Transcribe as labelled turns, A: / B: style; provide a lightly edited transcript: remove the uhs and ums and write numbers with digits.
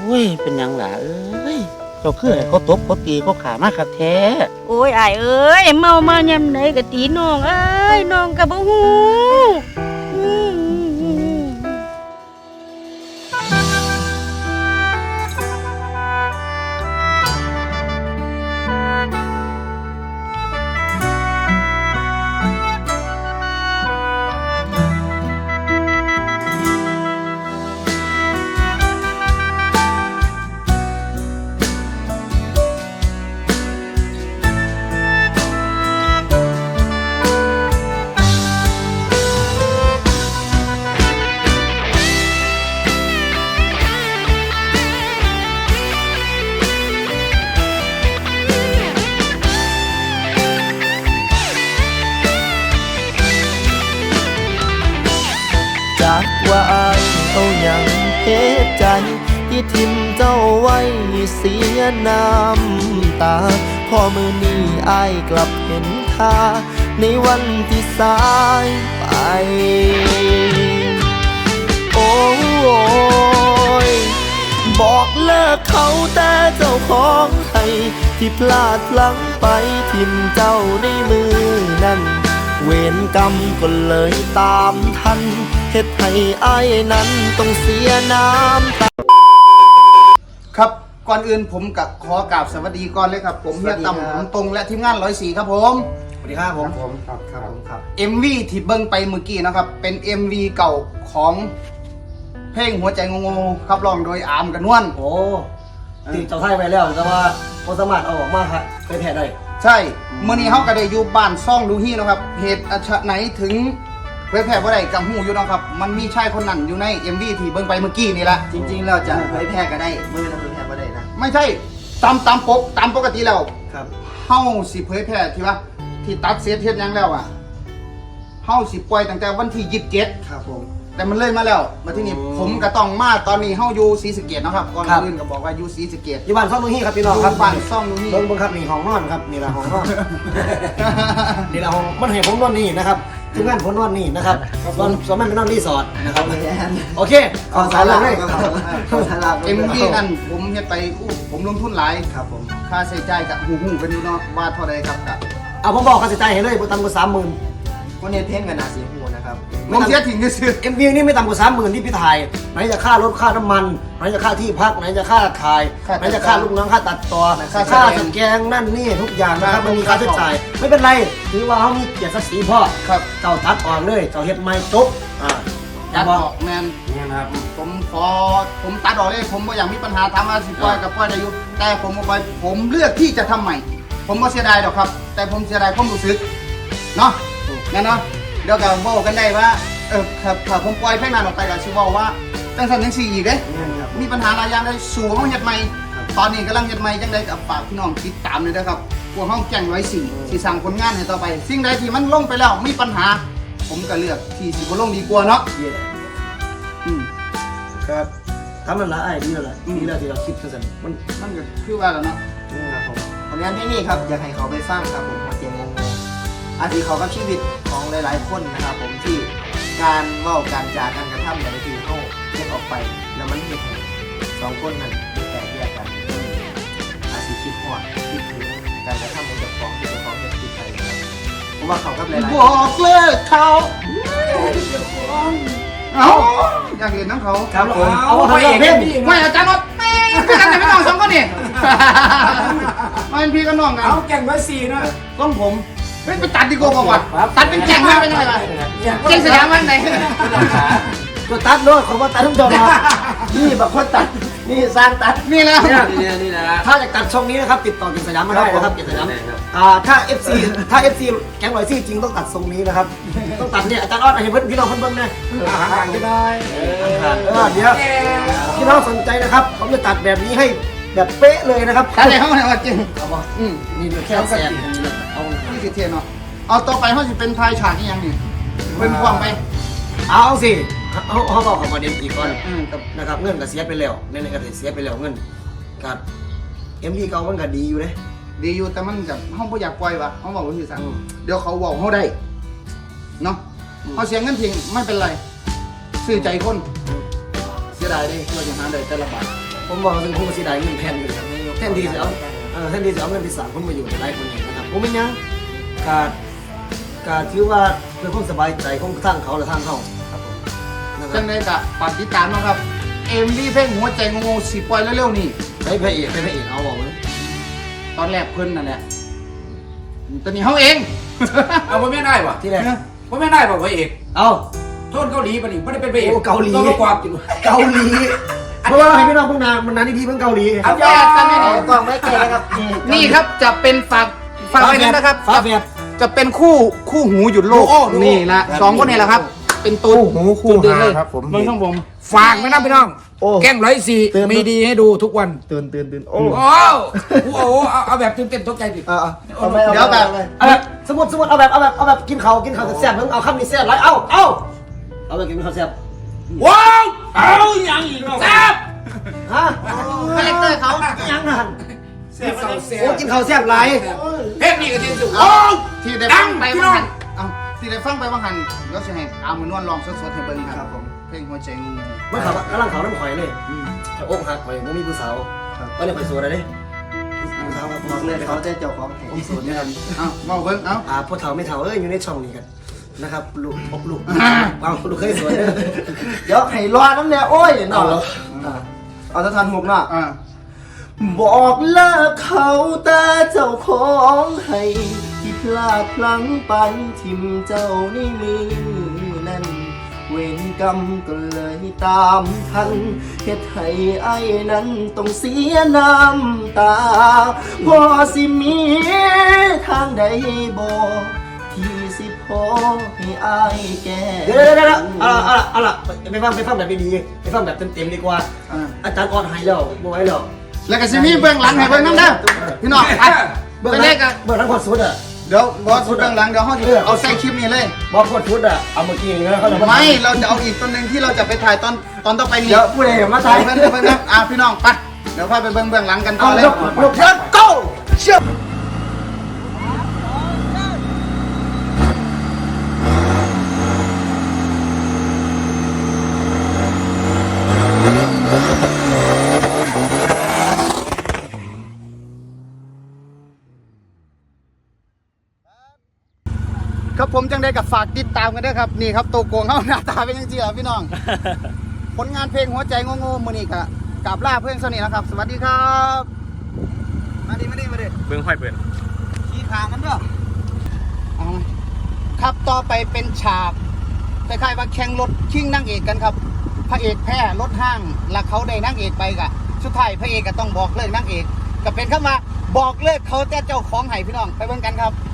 A: อ้ยเป็นหยังล่ะเอ้ยเจ้าคือให้เขาตบเขาตีเขาขามาคักแท้
B: โอ้ยอ้ายเอ้ยเมามายามใดก็ตีน้องเอ้ยน้องก็บ่ฮู้อืม
C: จากว่าอายเอาอย่างเหตุใจที่ทิมเจ้าไว้เสียน้ำตาพอมือนี้อายกลับเห็นค่าในวันที่สายไปโอ้ยบอกเลิกเขาแต่เจ้าของให้ที่พลาดพลั้งไปทิมเจ้าในมือนั้นเวรกรรมก็เลยตามทันเฮ็ดให้อ้ายนั้นต้องเสียน้ำตา
D: ครับก่อนอื่นผมกับขอกราบสวัสดีก่อนเลยครับผมเฮียต่ำผมตรงและทีมงาน104ครับผมสวัสดีครับผมครับ MV ที่เบิ้งไปเมื่อกี้นะครับเป็น MV เก่าของเพลงหัวใจงงๆครับร้องโดยอาร์มกันนวล
E: โอ้ตีเจ้าไทยไปแล้วแต่ว่าพอสามารถเอาออกมาครับไปแผ่ได้
D: ใช่เมื่อนี้เขาก็ได้อยู่บ้านซ่องดูฮีนะครับเหตุอัชไหนถึงเผยแพร่บ่ได้กับหูอยู่นะครับมันมีชายคนนั้นอยู่ใน MV ที่เบิ้งไปเมื่อกี้นี่แหละ
C: จริงๆเราจะเผยแพร่ก็ได้มือเราเผยแพร่ก็ได้นะ
D: ไม่ใช่ตามปกติแล้ว
C: ครับ
D: เฮาสิเผยแพร่ที่ว่าที่ตัดเสียเทปยังแล้วอ่ะเฮาสิปล่อยตั้งแต่วันที่27
C: ครับผม
D: แต่มันเลยมาแล้วมาที่นี่ผมก็ต้องมาตอนนี้เฮาอยู่ศรีสะเกษนะครับก่อนอื่นก็บอกว่าอยู่ศรีสะเกษ
E: อยู่บ้านซ่องตรงนี้ครับพี่น้องครับ
D: บ้านซ่องนี่
E: เบิ้งครับนี่ห้องนอนครับนี่แหละห้องนอน นี่แหละห้องมันให้ผมนอนนี่นะครับทีมงานผมนอนนี่นะครับส่วนมันเป็นนอนรีสอร์ทนะครับโอเคขอสารเลย
D: เอ็มวีนั่นผมเฮ็ดไปผมลงทุนหลาย
C: ครับผม
D: ค่าใช้จ่ายกับหูกันอยู่เนาะว่าเท่าใดครับกับ
E: เอาผมบอกค่าใช้จ่ายให้เลยบ่ต่ำกว่า30,000
C: วันนี้เพ่งกันนาสีหูนะครับ
D: ผมเสียถิ่นก็ซื้อ
E: MV นี่ไม่ต่ำกว่า30,000ที่พี่ถ่ายไหนจะค่ารถค่าน้ำมันไหนจะค่าที่พักไหนจะค่าถ่ายไหนจะค่าลูกน้องค่าตัดต่อค่าสแกงนั่นนี่ทุกอย่างนะครับมันมีค่าใช้จ่ายไม่เป็นไรถือว่าเขามีเกียรติศักดิ์ศรีพ่อ
D: ครับ
E: เจ้าตัดออกเลยเจ้าเฮ็ดไม่จบ
D: ตัดออกแมน
E: เนี่ยนะครับ
D: ผมตัดออกเลยผมบ่อยากมีปัญหาทำมาสิปล่อยกับปล่อยได้อยู่แต่ผมบ่ปล่อยผมเลือกที่จะทำใหม่ ผมบ่เสียดายหรอกครับ แต่ผมเสียดายความรู้สึกเนาะงั้นเนาะเดี๋ยวก็บอกกันได้ว่าครับถ้าผมปล่อยเพลงนั้นออกไปก็สิบอกว่าจังซั่นจังซี่อีกเด้ มีปัญหาหลายอย่างเลยสู่ห้องเฮ็ดใหม่ตอนนี้กำลังเฮ็ดใหม่จังไดกับฝากพี่น้องติดตามเลยนะครับพวกห้องแจ้ง104สิสร้างผลงานให้ต่อไป สิ่งใดที่มันลงไปแล้วมีปัญหา ผมก็เลือกที่สิบ่ลงดีกว่าเนาะอืม
E: ครับทำมันละไอ้ดีแล้วล่ะดีแล้วที่เราคิดสั้นๆมัน
D: มันก็คือว่าแล้วเนาะ
C: ครับผมผลงานเพลงนี้ครับอยากให้เขาไปฟังครับผมหัวใจงงอาจจะเขากับชีวิตของหลายๆคนนะครับผมที่การเว้าการจาการกระทำแต่ละทีเขาเก็บออกไปแล้วมันเห็นสองคนนั้นแตกแยกกันอาจจะคิดหอดคิดถึงการกระทำของเจ้าของที่เจ้าของเฮ็ดผิดไปนะครับเพราะว่าเขากับหลายๆ
D: บอกเลิกเขาเอาอยากเห็นน้ำเขา
E: ครับผมเอาไปเพ่ง
D: ไม่อาจารย์รถพี่กันแต่ไม่ต้องสองคนนี่ไม่เป็นพี่กับน้องกัน
F: เอาแก่ง104นะ
D: ต้องผมไปตัดดีกว่าว่ะตัดเป็นแข่งมาเป็นยังไงล่ะเก่งสยามวันไหน
E: ก็ตัดเลยเขาว่าตัดทุกจอมานี่แบบคนตัดนี่สร้างตัด
D: นี่แล้ว
F: นี่นะ
E: ถ้าจะตัดช่องนี้นะครับติดต่อกินสยามมาได้นะครับกินสยามถ้า FC แก๊ง104จริงต้องตัดทรงนี้นะครับต้องตัดเนี่ยอาจารย์ออดให้เพื่อนพี่น้องเพื่อนนะ
F: ห่างกันหน่อย
E: เดี๋ยวพี่น้องสนใจนะครับผมจะตัดแบบนี้ให้แบบเป๊ะเลยนะครับ
D: ตัดในห้องไหนวะจริง
E: เอาบ่ นี่เดี๋ยวแค่แสนเอา
D: นี่คือเทียนเนาะเอาต่อไปเขาจะเป็นทายฉากนี่ยังนี่เป็นความไป
E: เอาสิเขาบอกเขาประเด็นอีกก่อน
D: กับ
E: นะครับเงินก็เสียไปแล้วในก็เสียไปแล้วเงินกับ MV เก่ามันก็ดีอยู่เลย
D: ดีอยู่แต่มันกับห้องเขาอยากปล่อยวะเขาบอกว่าคือสั่งเดี๋ยวเขาบอกเขาได้เนาะเขาเสียเงินทิ้งไม่เป็นไรซื้อใจคนเสียดายดิเราจะหาได้แต่ละบาท
E: ผมบอกถึงผมเสียดายเงินแผ่นเลยครับแทนที่จะเอาแทนที่จะเอาเงินไปสั่งคนมาอยู่ในไร่คนนี้นะครับผมไม่ยังการถือว่าเพื่อความสบายใจของทางเขาและทางเขาครับผมนะค
D: จั
E: รับ
D: งไดกะฝากติดตามนะครับเอ็มวีเพลงหัวใจงงๆสิปล่อยเร็วๆนี่
E: ใช้พระเอกเอาบอกเลย
D: ตอนแรกเพิ่นนั่นแหละตอนนี้เฮาเอง
F: เอาว่าไม่ได้ป่ะ
E: ที่แรก
F: ว่าไม่ได้ป่ะพระเอก
E: เอา
F: โทษเกาหลีป่ะนี่ไม่ได้เป็นพระเอก
E: โอ้เกาหลี
F: ต้องประกอบอยู่
E: เกาหลีเพราะว่าให้พี่น้องพวกนานมันนานที่พี่เพิ่งเกาหลี
D: เอาแยกกันนี่
C: กล้องไม่เจอนะครับ
D: นี่ครับจะเป็นฝากไว้นะครับ
E: ฟ้าแฝด
D: จะเป็นคู่หูหยุดโลก
F: โอ้โห
D: นี่ละสองคนนี่แหละครับ เป็นตัวหูคู่หาครับผมเมืองของผม
F: ฝากไว้นะพี่น้อง
E: โอ้
F: แกล้ง104มีดีให้ดูทุกวัน
E: ตื่นโอ้
F: โอ้โหเอาแบบตื่นเต้นตกใจดิ
E: เอาไป
D: เดี๋ยวแบบ
E: เอาแบบสมมติเอาแบบกินเขาแซ่บๆมึงเอาคำนี้แซ่บไรเอาแบบกินข้าวแซ่บ
F: ว้าวเอาอย่างอีกแล้วแซ่บ
E: ฮะ
C: คาแรคเตอร์เขา
E: ยังหัน
F: แซ่บแซ่
E: โอ้
F: บ
E: กินข้าวแซ่บไร
F: เพลงนี้ก็จริงสุดโอ้
D: ที่ได้
F: ดั
D: ฟั
F: ง
D: งไป
F: พี่
D: ว่า
F: น้อง
D: หันเอาที่ได้ฟังไปว่าหันแล้วสิให้เอามือนวลลองสดๆให้เบิ่งครับผมเพลงหัวใจงู
E: มันขับกำลังเขาน้ำข่อยเลยอกหักข่อยไม่มีผู้สาวก็เลยข่อยสวยเลยผู้สาวครับบอกเลย
C: เขาจะเจ้าของ
E: ผมสวยเนี่ย
D: เอาเมาเบิ่งเอา
E: พ่อเฒ่าไม่เฒ่าอยู่ในช่องนี้กันนะครับลูกเอาลูกเคยสวย
C: เดี๋ยวให้รอน้ำเนี่ยโอ้ยเนาะเอาจะทันหกเนาะ
D: อ่า
C: บอกเลิกเขาแต่เจ้าของให้ที่พลาดพลั้งไปทิมเจ้าในมือนั้นเวรกรรมก็เลยตามทันเฮ็ดให้ไอ้นั้นต้องเสียน้ำตาพอสิมีทางใดบอกที่สิพอให้อายแก่
E: เดี๋ยวเอาล่ะไปฟังแบบดีๆไปฟังแบบเต็มๆดีกว่าอาจารย์อ่อนหายแล้วบ่ไหวแล้ว
D: แล้วก็สิมีเบื้องหลังให้เบิ่งนำเด้อพี่น้องอัด
E: เบื้อง
D: ไป
E: ห
D: เล
E: ลั
D: ย
E: ง
D: กัน
E: เบื้องหลังพอสุดอ่ะ
D: เดี๋ยวบอสสุดเบื้องหลังเดี๋ยวเฮาสิเอาใส่คลิปนี้เลย
E: บอกพอสุดอ่ะเอาเมื่อกี้นี่นะเขาจะ
D: ไม่เราจะเอาอีกต้นหนึ่งที่เราจะไปถ่ายตอนต่อไปนี้
E: เดี๋ยวผู้ใดมา
D: ถ่า
E: ถ่าย ย
D: เบิ่งนะพี่น้องไปเดี๋ยวพาไปเบิ่งเบื้องหลังกันต่
E: เอา
D: อเลย
E: ยกเดี๋ยว go เชื่อ
D: ครับผมจังได้กับฝากติดตามกันด้วยครับนี่ครับตัวโกงเขาหน้าตาเป็นยังไงล่ะพี่น้อง ผลงานเพลงหัวใจงงๆมือนี้กับล่าเพื่อนสนิทนะครับ สวัสดีครับมาดิเบิ้งห้อยเปิดขี้ขางกันเด้อเอาครับต่อไปเป็นฉากคล้ายๆว่าแข่งรถชิงนางเอกกันครับพระเอกแพ้รถห้างแล้วเขาได้นางเอกไปกะสุดท้ายพระเอกก็ต้องบอกเลิกนางเอกก็เป็นคำว่าบอกเลิกเขาแต่เจ้าของให้พี่น้องไปเบิ่งกันครับ